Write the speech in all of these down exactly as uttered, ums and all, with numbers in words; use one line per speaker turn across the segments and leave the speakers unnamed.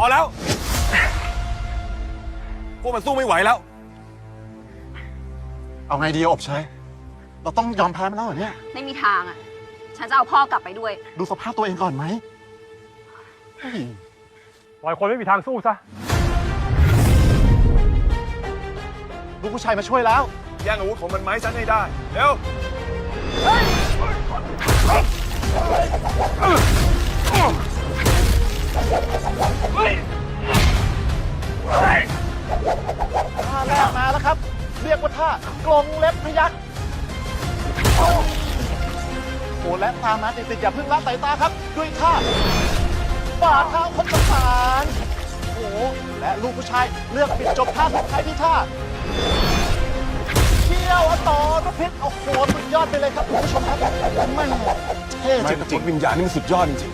อแล้วพวกมันสู้ไม่ไหวแล้ว
เอาไงดีอบเชยเราต้องยอมแพ้มันแล้วเหรอเนี่ย
ไม่มีทางอ่ะฉันจะเอาพ่อกลับไปด้วย
ดูสภาพตัวเองก่อนไหม
ปล่อยคนไม่มีทางสู้ซะ
ลูกผู้ชายมาช่วยแล้ว
แย่งอาวุธของมันไม้ฉันให้ได้เร็ว
ท่าแรกมาแล้วครับเรียกว่าท่ากลงเล็บพยักโอ้และตามมาติดๆอย่าเพิ่งละสายตาครับด้วยท่าฝ่าเท้าคนประสานโอ้และลูกผู้ชายเลือกปิดจบท่าสุดท้ายที่ท่าเที่ยวต่อรพิษโอ้โหสุดยอดไปเลยครับคุณผู้ชมครับไม่เท่จริง
วิญญาณนี่มันสุดยอดจริง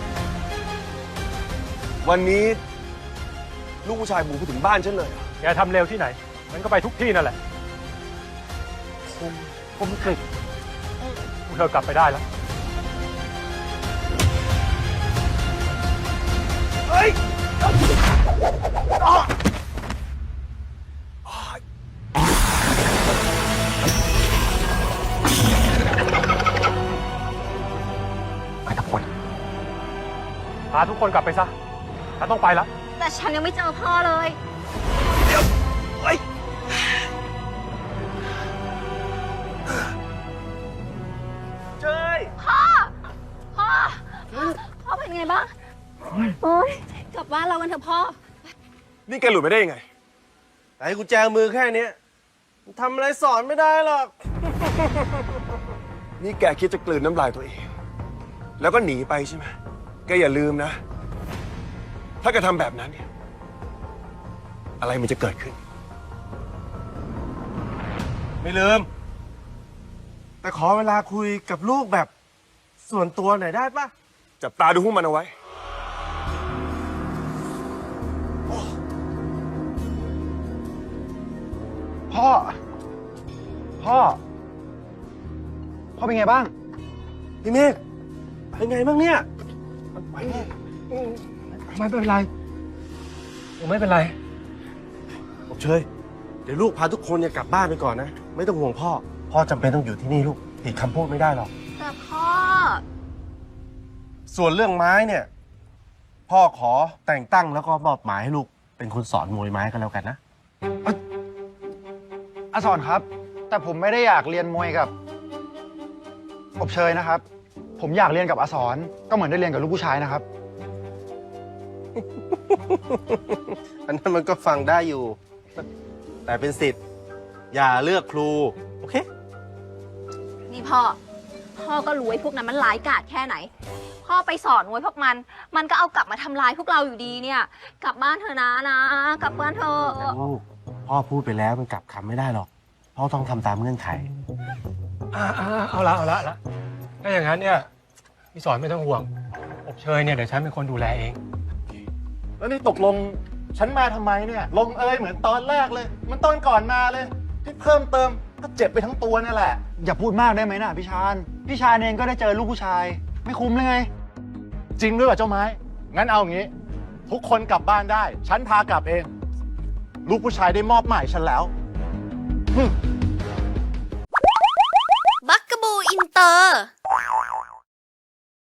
ๆวันนี้ลูกผู้ชายบุกไปถึงบ้านฉันเลย
แกทำเร็วที่ไหนมันก็ไปทุกที่นั่นแหละผมผมกฤษพวกเธอกลับไปได้แล้ว
เฮ้ย
ไปทุกคนพาทุกคนกลับไปซะฉันต้องไปแล้ว
แต่ฉันยังไม่เจอพ่อเลย
เดี๋ยวเฮ้ยเจย
พ่อพ่อพ่อเป็นไงบ้างโอ๊ยกลับบ้านเรากันเถอะพ่อ
นี่แกหลุดไปได้ยังไง
ไอ้กุญแจมือแค่นี้ทำอะไรสอนไม่ได้หรอก
นี่แกคิดจะกลืนน้ำลายตัวเองแล้วก็หนีไปใช่ไหมแกอย่าลืมนะถ้าแกทำแบบนั้นเนี่ยอะไรมันจะเกิดขึ้น
ไม่ลืมแต่ขอเวลาคุยกับลูกแบบส่วนตัวหน่อยได้ปะ
จับตาดูพวกมันเอาไว้
พ่อพ่อพ่อเป็นไงบ้าง
พี่เมฆเป็นไงบ้างเนี่ย
ไม่เป็นไรผมไม่เป็นไร
ผมเชยเดี๋ยวลูกพาทุกคนเนี่ยกลับบ้านไปก่อนนะไม่ต้องห่วงพ่อพ่อจำเป็นต้องอยู่ที่นี่ลูกผิดคำพูดไม่ได้หรอก
แต่พ่อ
ส่วนเรื่องไม้เนี่ยพ่อขอแต่งตั้งแล้วก็มอบหมายให้ลูกเป็นคนสอนมวยไม้กันแล้วกันนะ
อาสอนครับแต่ผมไม่ได้อยากเรียนมวยกับอบเชยนะครับผมอยากเรียนกับอาสอนก็เหมือนได้เรียนกับลูกผู้ชายนะครับ
อันนั้นมันก็ฟังได้อยู่แต่เป็นสิทธิ์อย่าเลือกครูโอเค
นี่พ่อพ่อก็รู้ไอ้พวกนั้นมันร้ายกาจแค่ไหนพ่อไปสอนมวยพวกมันมันก็เอากลับมาทำลายพวกเราอยู่ดีเนี่ยกลับบ้านเถอะนะนะกลับบ้านเถอะ
ลูกพ่อพูดไปแล้วมันกลับคำไม่ได้หรอกพ่อต้องทำตามเงื่อนไข
อ่าเอาละเอาละละถ้าอย่างนั้นเนี่ยพี่สอนไม่ต้องห่วงอบเชยเนี่ยเดี๋ยวฉันเป็นคนดูแลเอง
แล้วนี่ตกลงฉันมาทำไมเนี่ยลงเอยเหมือนตอนแรกเลยมันตอนก่อนมาเลยที่เพิ่มเติมก็เจ็บไปทั้งตัวนี่แหละอย่าพูดมากได้ไหมนะพี่ชานพี่ชานเองก็ได้เจอลูกผู้ชายไม่คุ้มเลยไงจริงด้วยเหรอเจ้าไม้งั้นเอาอย่างนี้ทุกคนกลับบ้านได้ฉันพากลับเองลูกผู้ชายได้มอบหมายฉันแล้ว
บักกะบูอินเตอร์